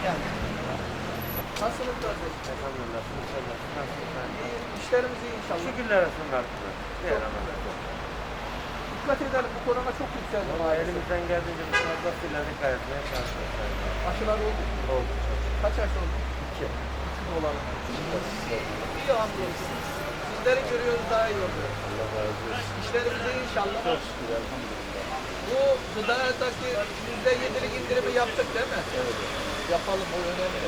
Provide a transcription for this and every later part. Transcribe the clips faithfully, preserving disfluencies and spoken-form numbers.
geldiniz. Nasılsınız kardeşim? Elhamdülillah. İnşallah. Nasılsın? İyi, işlerimiz iyi inşallah. Şükürler olsun Rabbime. Çok güzel. Dikkat edelim, bu korona çok yükseldi. Ama elimizden geldiğince biz fazlasıyla dikkat etmeye çalışıyoruz. Aşılar oldu. Oldu. Kaç aşı oldu? İki. İki dolar. İyi hamdolsun. Sizleri görüyoruz, daha iyi oluyor. Allah razı olsun. İşlerimiz iyi inşallah. Çok şükür elhamdülillah. Bu gıdadaki yüzde yedilik indirimi yaptık değil mi? Evet. Yapalım, o önemli.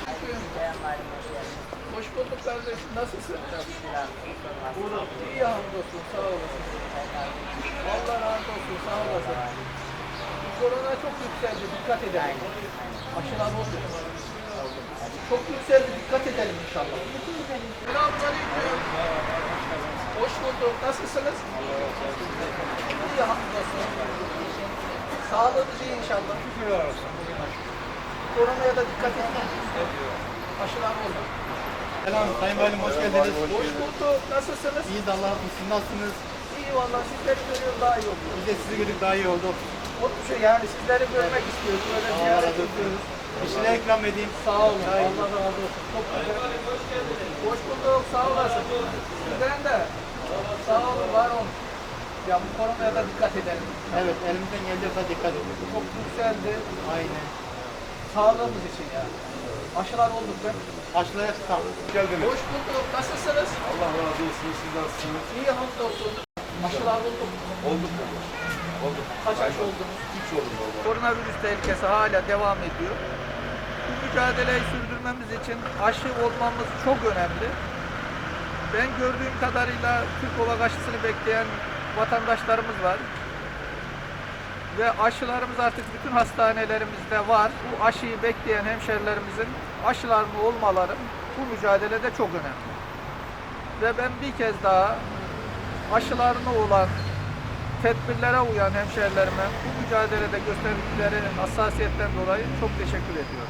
Hoş bulduk kardeşim, nasılsın? İyi hamdolsun, sağ olasın. Allah razı olsun, sağ olasın. Bu korona çok yükseldi, dikkat edelim. Aşılar oldu. Çok yükseldi, dikkat edelim inşallah. Selamünaleyküm. Hoş bulduk, nasılsınız? İyi hamdolsun. Sağlığınız iyi inşallah. Koronaya da dikkat edin. Aşılar oldu. Selam Sayın Valim, hoş geldiniz. Hoş bulduk, nasılsınız? İyi de Allah razı olsun. Siz nasılsınız? İyi vallahi, sizleri görüyoruz, daha iyi oluyor. Biz de sizi gördük, daha iyi oldu. O şey yani sizleri görmek istiyoruz. Böyle Allah ziyaret razı olsun. ediyoruz. Bir şeyler ikram edeyim. Sağ olun. Allah razı olsun. Çok güzel. Hoş bulduk. Sağ olasın. Sizden de. Sağ olun. Var olun. Ya bu koronaya da dikkat edelim. Evet, elimizden geldiği kadar dikkat edin. Çok yükseldi. Aynen. Sağlığımız için yani. Aşılar olduk be. Aşılaya tutalım. Geldiniz. Hoş bulduk. Nasılsınız? Allah razı olsun. Siz nasılsınız? İyi hamdolsun. Aşılar olduk. Olduk mu? Olduk. Kaç aşı oldunuz? Üç oldu baba. Koronavirüs tehlikesi hala devam ediyor. Bu mücadeleyi sürdürmemiz için aşı olmamız çok önemli. Ben gördüğüm kadarıyla Türk Ovak aşısını bekleyen vatandaşlarımız var. Ve aşılarımız artık bütün hastanelerimizde var. Bu aşıyı bekleyen hemşerilerimizin aşılarını olmaları bu mücadelede çok önemli. Ve ben bir kez daha aşılarını olan, tedbirlere uyan hemşerilerime bu mücadelede gösterdikleri hassasiyetten dolayı çok teşekkür ediyorum.